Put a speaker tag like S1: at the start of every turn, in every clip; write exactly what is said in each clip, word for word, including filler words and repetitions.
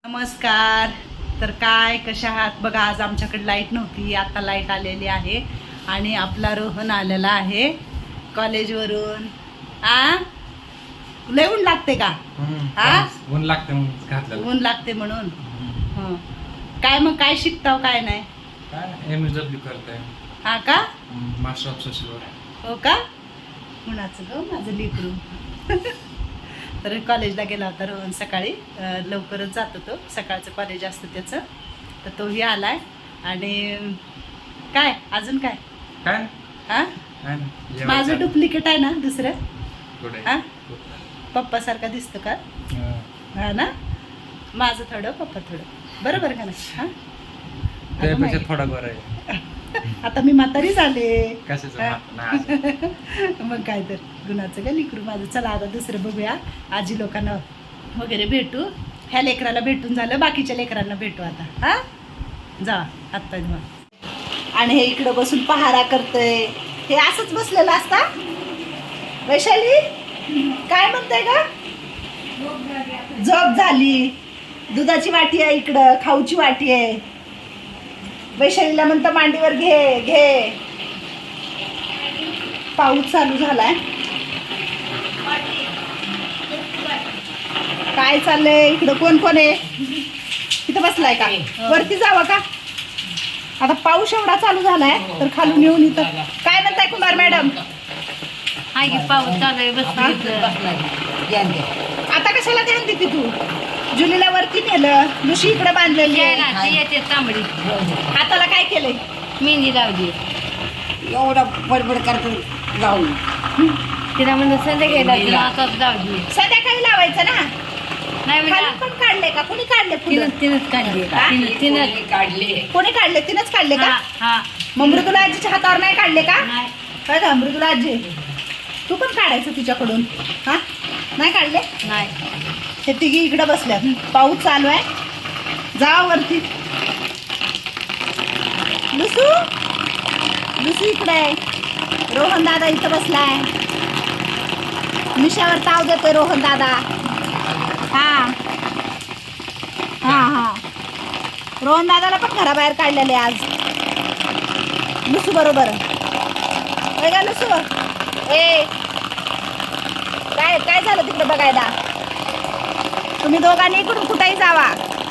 S1: नमस्कार. तर काय कशा आहात बघा. आज आमच्याकडे लाईट नव्हती, आता लाईट आलेली आहे आणि आपला रोहन आलेला आहे कॉलेजवरून. आ लय ऊन लागते का? हा
S2: ऊन लागते म्हणून घातलं.
S1: ऊन लागते म्हणून. हं. काय मग काय शिकताव काय नाही?
S2: काय एम एस डब्ल्यू करताय.
S1: हा का?
S2: Master of social work.
S1: हो का? कुणाचं ग माझं लेकरू. तर कॉलेजला गेला होता रोहन सकाळी. अं, लवकरच जातो तो, सकाळचं कॉलेज असतं त्याचं. तर तोही आलाय. आणि काय अजून काय
S2: काय
S1: हा
S2: काय नाही.
S1: माझं डुप्लिकेट आहे ना दुसरं.
S2: कुठे?
S1: हा पप्पा सारखा दिसतो का?
S2: हा.
S1: हा ना. माझं थोडं पप्पा थोडं बरोबर का ना. हा अगं
S2: त्यापेक्षा
S1: माई.
S2: थोडा बरं आहे.
S1: आता मी म्हातारी झाले.
S2: कशाचं
S1: हा.
S2: माप नाही.
S1: मग काय तर गुणाचं का लिकरू माझं. चला आता दुसरं बघूया. आजी लोकांना वगैरे भेटू. ह्या लेकराला भेटून झालं, बाकीच्या लेकरांना भेटू आता. हा जा आत्ता मग. आणि हे इकडं बसून पहारा करतय. हे असंच बसलेलं असता. वैशाली काय म्हणते का? झोप झाली. दुधाची वाटी आहे इकडं, खाऊची वाटी आहे. वैशालीला म्हणतं मांडीवर घे घे. पाऊस चालू झालाय. काय चाललंय इकडं? कोण कोण आहे? इथं बसलाय का? वरती जावं का? आता पाऊस एवढा चालू झालाय तर खालून येऊन इथं काय म्हणताय कुमार मॅडम?
S3: हाय की पाऊस चालू आहे.
S1: आता कशाला ध्यान देते तू? जुलीला वरती नेलं, लुशी इकडे बांधलेली आहे.
S3: येते तांबडी
S1: हाताला काय केलंय?
S3: मेहंदी लावली.
S4: एवढा बडबड करतो जाऊन
S3: तिला म्हणलं संध्याकाळी लावली, आताच लावली.
S1: संध्याकाळी लावायचं ना.
S3: नाही
S1: खाली
S3: म्हणलं
S1: पण काढले का? कोणी काढले?
S3: तिनंच तिनंच काढली. तिनं- तिनंच
S4: काढले.
S1: कोणी काढले? तिनंच काढले
S3: हा
S1: का?
S3: हा
S1: मग मृदुला आजीच्या हातावर नाही काढले का?
S3: नाही
S1: काय का मृदुला आजी, तू पण काढायचं तिच्याकडून. हा नाही काढले?
S3: नाही.
S1: हे तिघी इकडे बसल्यात. पाऊस चालू आहे. जा वरती. लुसू लुसू इकडे आहे. रोहन दादा इथं बसलाय. मिशावर ताव देतोय रोहन दादा. हा हा हा रोहन दादाला पण घराबाहेर काढलेले आज लुसू बरोबर. होय का लुसू? ए काय काय झालं तिकडे बघायला? तुम्ही दोघांनी इकडून कुठेही जावा.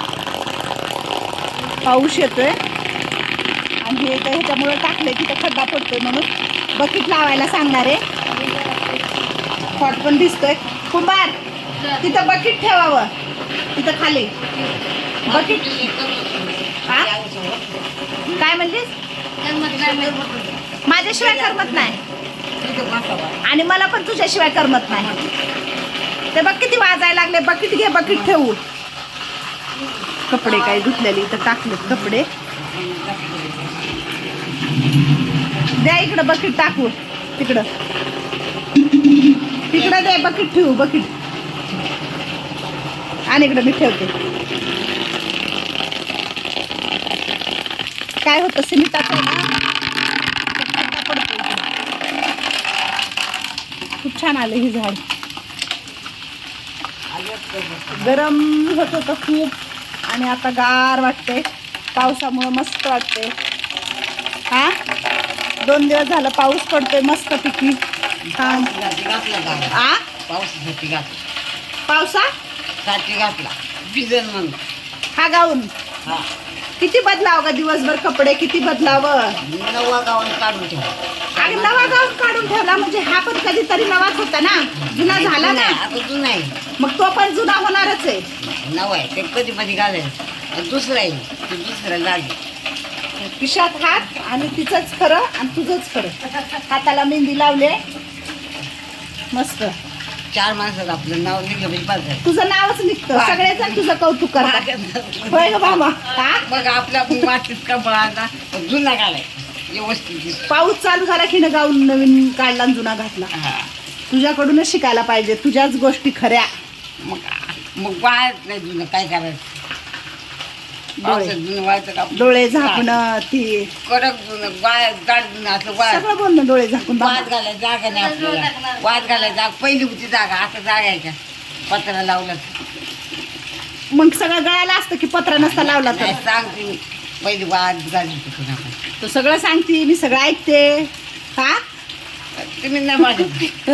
S1: पाऊस येतोय आणि हे तर ह्याच्यामुळे टाकले तिथं खड्डा पडतोय म्हणून बकेट लावायला सांगणार आहे. फॉट पण दिसतोय. कुंभार तिथं बकेट ठेवावं. तिथं खाली बकेट. हा काय म्हणलीस? माझ्याशिवाय करमत नाही आणि मला पण तुझ्याशिवाय करमत नाही. ते बघ किती वाजायला लागले. बकेट घे, बकेट ठेवू. कपडे काय धुतलेले इथं टाकलेत कपडे. द्या इकडं बकेट टाकू. तिकडं तिकडं दे बकेट ठेवू. बकेट आणि इकडं मी ठेवते. काय होतं सिमेंटाचं आहे ना, खड्डा पडतो इकडं. खूप छान आलं हे झाड. गरम होत होतं खूप आणि आता गार वाटते. पावसामुळं मस्त वाटते. हा दोन दिवस झालं पाऊस पडतोय मस्त पिकी. हा आ
S4: पावसासाठी घातला.
S1: पावसा
S4: साठी घातला भिजन म्हणून.
S1: हा गाऊन
S4: हा
S1: किती बदलाव ग दिवसभर कपडे किती बदलावं.
S4: नवा गाऊन काढून ठेवा.
S1: अरे नवा गाऊन काढून ठेवला म्हणजे हा पण कधीतरी नवाच होता ना. जुना झाला ना.
S4: आता जुना आहे.
S1: मग तो पण जुना होणारच आहे.
S4: नवा आहे ते कधी मध्ये घालायचं. दुसरं आहे ते दुसरं लागेल.
S1: पिशात हात आणि तिचंच खरं आणि तुझंच खरं. हाताला मेहंदी लावले मस्त.
S4: चार माणसाचं आपलं नाव निघलं म्हणजे पाच आहे.
S1: तुझं नावच निघतं. सगळेजण तुझं कौतुक करतात. होय ग बाबा. हा
S4: मग आपल्या वाटत कपडा जुना घालायचा व्यवस्थित.
S1: पाऊस चालू झाला की न गाऊन नवीन काढला आणि जुना घातला.
S4: हा
S1: तुझ्याकडूनच शिकायला पाहिजे. तुझ्याच गोष्टी खऱ्या.
S4: मग मग वाळत नाही जुनं काय करायचं. पावसात जुनं वाळतं का?
S1: डोळे झाकणं ती
S4: कडक जुनं वाळ जाड जुनं असलं वाळ.
S1: सगळं बोलणं डोळे झाकून बाबा.
S4: वाद घालायला जागा नाही आपल्याला. वाद घालायला जागा पहिली होती जागा. आता जागा आहे का? पत्रा लावला
S1: मग सगळं गळाला असतं की पत्रा नसता लावला तर
S4: नाही सांगते मी पहिली वाद झाली तिथून आपण
S1: तो सगळं सांगते मी सगळं ऐकते हा
S4: तुम्ही नाही माझ्या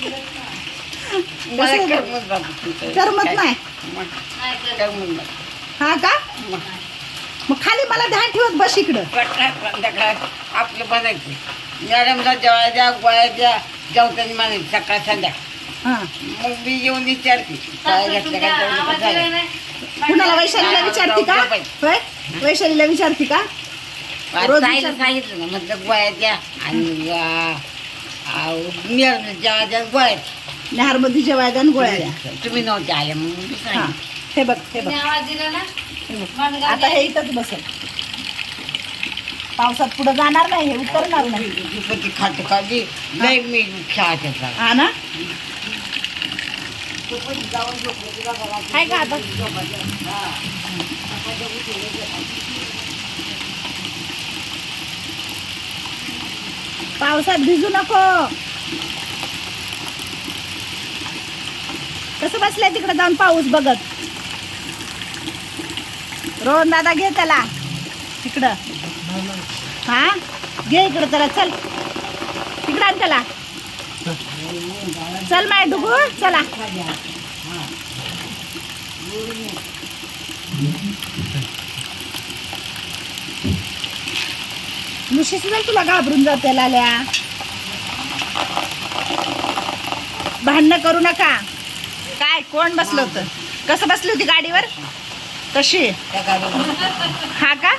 S4: मला करमत बाबा तुमचं.
S1: करमत नाही
S4: मग करमत नाही.
S1: हा का
S4: मग
S1: मग खाली मला ध्यान ठेवत बस इकडं
S4: कटणार संध्याकाळ आपलं बनायचं मॅडमला जेवायला द्या गोळ्या द्या जेवताना म्हणायचं सकाळ संध्याकाळ
S1: हा
S4: मग मी येऊन विचारते काय घेतलं काय जेवलं का झालं?
S1: कुणाला वैशालीला विचारते का होय वैशालीला विचारते का रोज
S4: ताईला
S1: विचार-
S4: सांगितलं ना म्हटलं गोळ्या द्या आणि मॅडमला जेवायला द्या गोळ्या द्या.
S1: नहारमध्ये जेवायला आणि गोळ्या द्या.
S4: तुम्ही नव्हते आल्या मग मी
S1: हा
S4: सांगितलं.
S1: हे बघ हे बघ
S3: आवाज दिला ना
S1: आता हे इथंच बसेल पावसात पुढे जाणार नाही हे उतरणार नाही
S4: पण ती खाट खाली लय मी खेळायचं झालं.
S1: हा ना काय का आता पावसात भिजू नको कसं बसलंय तिकडे जाऊन पाऊस बघत रोहन दादा घे त्याला तिकडं हा घे इकडं त्याला चल तिकडं आण त्याला चल माय डुगू चला लुशी सुद्धा तुला घाबरून जाते लाल्या भांडणं करू नका काय कोण बसलं होतं कसं बसली होती गाडीवर कशी
S4: त्या गाडीवर
S1: हा का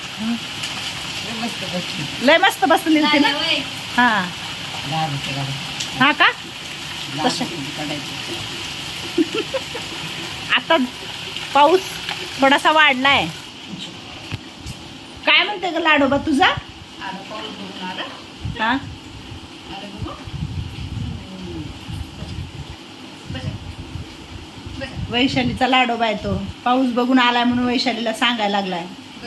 S4: मस्त बसली.
S1: लय मस्त बसली होती ना हा
S4: दहा रुपये गाडी.
S1: हा का
S4: दहा
S1: तसं.
S4: रुपये काढायचे.
S1: आता पाऊस थोडासा वाढलाय काय म्हणते ग लाडोबा तुझा हा वैशालीचा लाडोबा आहे तो पाऊस बघून आलाय म्हणून वैशालीला सांगायला लागलाय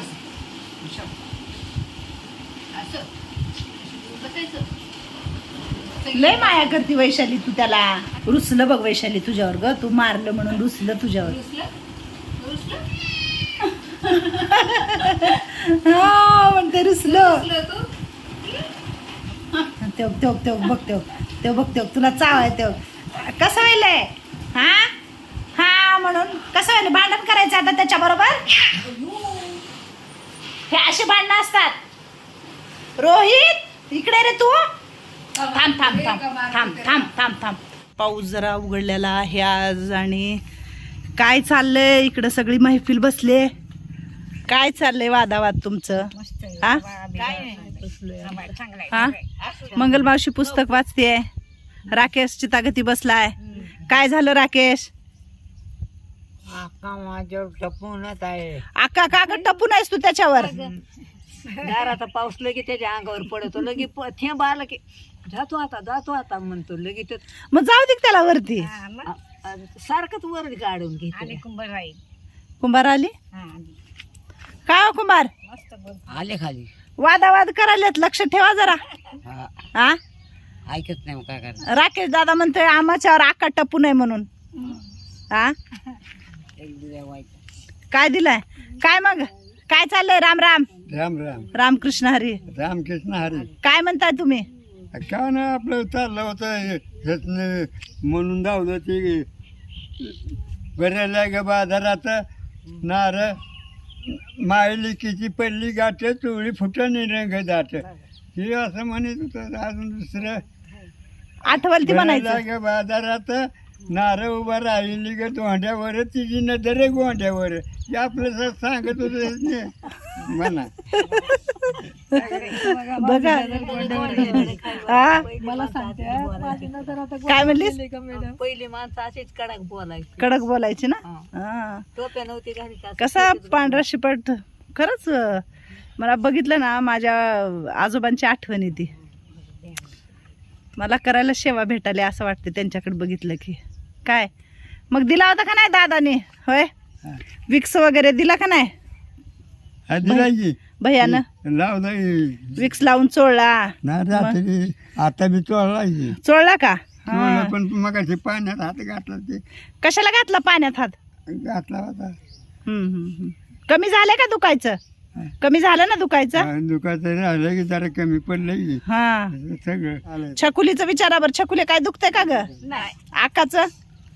S1: लय माया करते वैशाली तू त्याला रुसलं बघ वैशाली तुझ्यावर ग तू मारलं म्हणून रुसलं तुझ्यावर हा म्हणते रुसलं तेव तेव तेव बघ तेव तेव बघ तेव तुला चाव आहे तेव कसं व्हायलंय हा हा म्हणून कसं व्हायलं भांडण करायचं आता त्याच्या बरोबर हे असे भांडणं असतात रोहित इकडे रे तू थांब थांब थांब थांब थांब थांब थांब पाऊस जरा उघडलेला आहे आज आणि काय चाललंय इकडं सगळी महफिल बसले काय चाललंय वादावाद तुमचं हा हा मंगलमावशी पुस्तक वाचतेय राकेश चितागती बसलाय काय झालं राकेश
S3: आका माझ्यावर टपूनच आहे
S1: आका कागद टपून आहेस तू त्याच्यावर
S3: दाराचा पाऊस लगे त्याच्या अंगावर पडतो लगे प- थेंब आला की जातो आता जातो आता म्हणतो लगेच
S1: मग जाऊ दे की त्याला वरती
S3: सारखंच वर काढून घेते
S1: कुंभार आली काय हो कुंभार
S4: आले खाली
S1: वादावाद करायलेत लक्ष ठेवा जरा
S4: हा
S1: हा
S4: ऐकत नाही मग काय करणार
S1: राकेश दादा म्हणतोय आमाच्यावर आका टपू नये म्हणून हा
S4: एक दिल्या वाईट
S1: काय दिलाय काय मग काय चाललंय राम राम
S2: राम राम
S1: रामकृष्ण हरी
S2: रामकृष्ण हरी
S1: काय म्हणताय तुम्ही
S2: काय ना आपलं चाललं होतं हे- हेच म्हणून धावलं ते बऱ्याला ग बाजारात नार मायलिकीची पडली गाठ चोळी फुटणी रंग दाट हे असं म्हणत होतं अजून दुसरं
S1: आठवल ती म्हणायचं
S2: बऱ्याला ग बाजारात नार उभा राहिली ग दोंड्यावर तिची नजर गोंड्यावर हे आपलं स- सांगत होतं म्हणा
S1: बघा हा काय म्हणलीस
S3: पहिली माणसं अशीच कडक बोलायची
S1: कडक बोलायची ना
S3: हा.
S1: हा
S3: टोप्या नव्हती घाली का?
S1: कसा पांढरा शिपट खरंच अं, मला बघितलं ना माझ्या आजोबांची आठवण येते मला करायला सेवा भेटायला असं वाटते त्यांच्याकडे बघितलं की काय मग दिला होता का नाही दादाने होय विक्स वगैरे दिला का नाही
S2: हा दिला की
S1: भैयानं
S2: लावला
S1: विक्स लावून चोळला
S2: ना रात्री आता बी चोळला की
S1: चोळला का
S2: चोळला
S1: हा.
S2: पण मग पाण्यात हात घातला ते
S1: कशाला घातला पाण्यात हात
S2: घातला होता.
S1: हम्म, हम्म, हम्म. कमी झालं का दुखायचं? कमी झालं ना दुखायचं?
S2: दुखायचं राहिलं की जरा कमी पडलं की
S1: हा.
S2: सगळं आलं.
S1: छकुलीचं विचारा बरं, छकुले काय दुखतंय का ग? आकाचं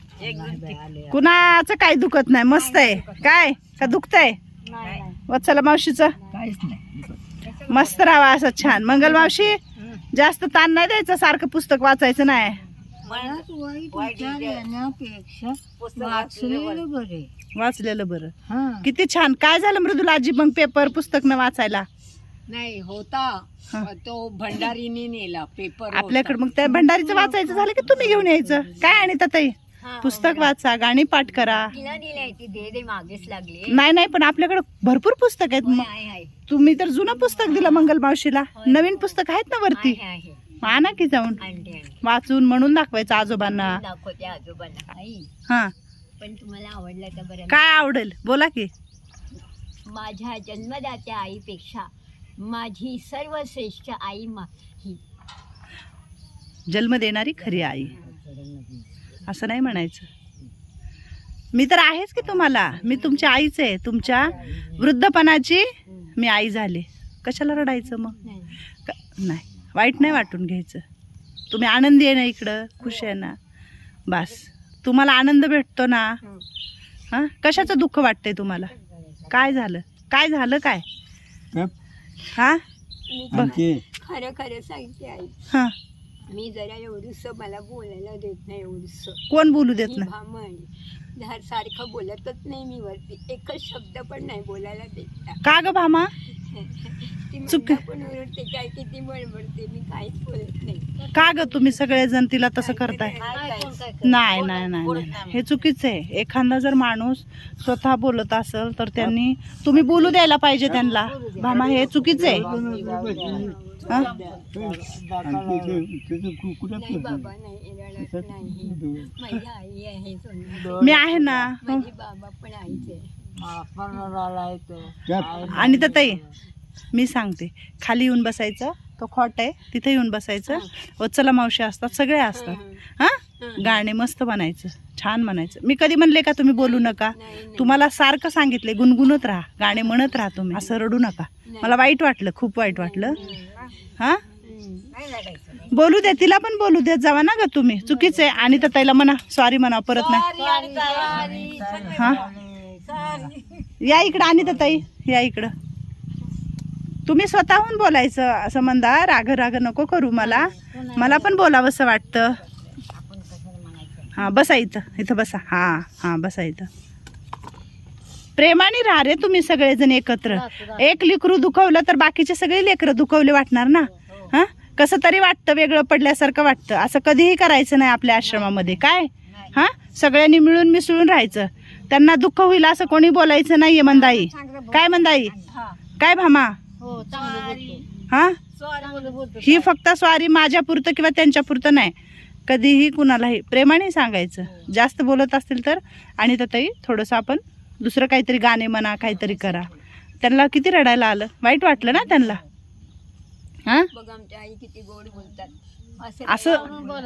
S1: कुणाचं काय दुखत नाही, मस्त आहे. काय का दुखतंय? वत्सला मावशीचं
S3: काहीच नाही.
S1: मस्त राहावा असं छान. मंगल मावशी जास्त ताण नाही द्यायचं, सारखं पुस्तक वाचायचं नाही.
S3: मनात वाईट विचार येण्यापेक्षा वाचलेलं बरे.
S1: वाचलेलं बरं.
S3: हा
S1: किती छान. काय झालं मृदुला आजी मग पेपर पुस्तक न वाचायला?
S3: नाही होता
S1: हा.
S3: तो भंडारीने नेला पेपर.
S1: आपल्याकडे मग त्या भंडारीचं वाचायचं झालं की तुम्ही घेऊन यायचं. काय आणि ताई पुस्तक वाचा, गाणी पाठ करा.
S3: मागेच लागले.
S1: नाही नाही पण आपल्याकडे भरपूर पुस्तक आहेत. मग तुम्ही तर जुनं पुस्तक दिलं मंगल मावशीला, नवीन पुस्तक आहेत ना वरती, आणा की जाऊन वाचून म्हणून दाखवायचं आजोबांना.
S3: दाखवते आजोबांना. आई
S1: हा
S3: पण तुम्हाला आवडलं तर बरं.
S1: काय आवडेल बोला की.
S3: माझ्या जन्मदात्या आईपेक्षा माझी सर्वश्रेष्ठ आई मा ही.
S1: जन्म देणारी खरी आई असं नाही म्हणायचं. मी तर आहेच की तुम्हाला, मी तुमची आईच आहे. तुमच्या वृद्धपणाची मी आई झाले. कशाला रडायचं मग? क- नाही, वाईट नाही वाटून घ्यायचं. तुम्ही आनंदी आहे ना, इकडं खुश आहे ना, बस. तुम्हाला आनंद भेटतो ना. हां, कशाचं दुःख वाटतंय तुम्हाला? काय झालं? काय झालं काय? हां
S2: आणखी
S3: खरं खरं सांगते आई,
S1: हां.
S3: मी जरा एवढंस मला बोलायला देत नाही. एवढंस
S1: कोण बोलू देत नाही?
S3: भामण झाड सारखं बोलतच नाही मी वरती, एकच शब्द पण नाही बोलायला देत.
S1: का ग भामा?
S3: ती
S1: चुक-
S3: म्हणता पण ओरडते, काय किती बडबडते, मी काहीच बोलत नाही.
S1: का ग तुम्ही सगळेजण तिला तसं करताय? नाही नाही नाही नाही, हे चुकीचं आहे. एखादा जर माणूस स्वतः बोलत असेल तर त्यांनी तुम्ही बोलू द्यायला पाहिजे त्यांना. भामा हे चुकीचं आहे. हा?
S2: आणखी ते- त्याचं कु- कुठं
S3: नाही
S2: पडलं?
S3: बाबा नाही, रडत नाही. माझी आई आहे सोना.
S1: मी आहे ना.
S3: माझी बाबा पण आईच आहे.
S2: त्या-
S1: आणि तर ताई मी सांगते, खाली येऊन बसायचं, तो खॉट आहे तिथे येऊन बसायचं. वत्सला मावशी असतात, सगळे असतात. हां, गाणे मस्त म्हणायचं, छान म्हणायचं. मी कधी म्हणले का तुम्ही बोलू नका? तुम्हाला सारखं सांगितले गुणगुणत राहा, गाणे म्हणत राहा, तुम्ही असं रडू नका. मला वाईट वाटलं, खूप वाईट वाटलं. हां, बोलू द्या, तिला पण बोलू द्या जावा ना ग तुम्ही. चुकीचं आहे. आणि तर ताईला म्हणा सॉरी म्हणा, परत नाही. हां, या इकडं. आणि तर ताई या इकडं. तुम्ही स्वतःहून बोलायचं. असं म्हणता राग राग नको करू, मला मला पण बोलावंसं वाटतं. हां, बसा इथं, इथं बसा. हां हां, बसा इथं. प्रेमाने राहा रे तुम्ही सगळेजण एकत्र. एक लेकरू दुखवलं तर बाकीचे सगळे लेकरं दुखवले वाटणार ना. हां, कसं तरी वाटतं, वेगळं पडल्यासारखं वाटतं. असं कधीही करायचं नाही आपल्या आश्रमामध्ये. काय हां, सगळ्यांनी मिळून मिसळून राहायचं. त्यांना दुःख होईल असं कोणी बोलायचं नाहीये. मंदाई काय? मंदाई काय? भामा हा, ही फक्त स्वारी माझ्या पुरतं किंवा त्यांच्या पुरतं नाही, कधीही कुणालाही प्रेमाने सांगायचं. जास्त बोलत असतील तर. आणि तर ताई थोडंसं आपण दुसरं काहीतरी गाणे म्हणा, काहीतरी करा. त्यांना किती रडायला आलं, वाईट वाटलं ना त्यांना. हां,
S3: बघ आमच्या आई किती गोड बोलतात.
S1: असं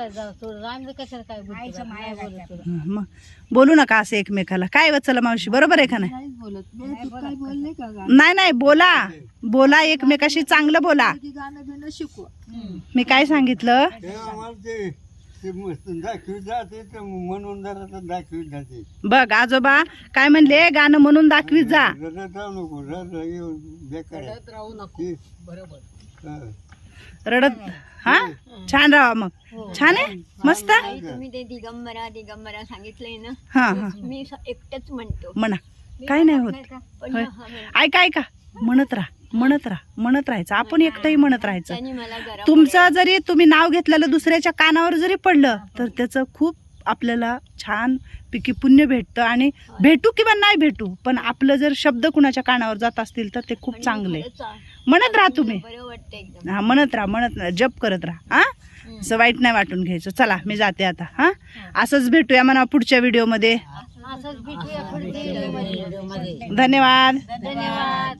S1: मग बोलू नका असं एकमेकाला. काय वत्सला मावशी बरोबर आहे का नाही?
S3: काय बोलले का गा?
S1: नाही नाही, बोला बोला एकमेकाशी, चांगलं बोला.
S3: गाणं बिणं शिकवा.
S1: मी काय सांगितलं?
S2: ते आम्हाला ते ते मस्त दाखवीत जाते, ते म्हणून जरा तर दाखवीत जाते.
S1: बघ आजोबा काय म्हणले, गाणं म्हणून दाखवीत जा.
S2: रडत राहू नको, रडत येऊन बेकार आहे.
S3: राहू नको. बरोबर.
S2: हा.
S1: रडत हा, छान राहा मग. छान आहे, मस्त.
S3: आई तुम्ही ते दिगंबरा दिगंबरा सांगितलंय ना,
S1: हा हा,
S3: मी स- एकटंच म्हणतो.
S1: म्हणा, काय नाही होत.
S3: पण
S1: होय.
S3: हा म्हण-
S1: ऐका ऐका, म्हणत राहा म्हणत राहा म्हणत राहायचं. आपण एकटंही म्हणत राहायचं.
S3: त्यांनी मला जरा
S1: तुमचं जरी तुम्ही नाव घेतलेलं दुसऱ्याच्या कानावर जरी पडलं तर त्याचं खूप आपल्याला छान पैकी पुण्य भेटतं. आणि भेटू किंवा नाही भेटू, पण आपलं जर शब्द कुणाच्या कानावर जात असतील तर ते खूप चांगले. म्हणत राहा तुम्ही.
S3: बरं वाटतं एकदम.
S1: हा, म्हणत राहा म्हणत राहा, जप करत राहा. हा, असं वाईट नाही वाटून घ्यायचं. चला मी जाते आता. हा, असंच भेटूया म्हणा पुढच्या व्हिडिओमध्ये.
S3: असंच भेटूया पुढच्या व्हिडिओमध्ये.
S1: धन्यवाद.
S3: धन्यवाद.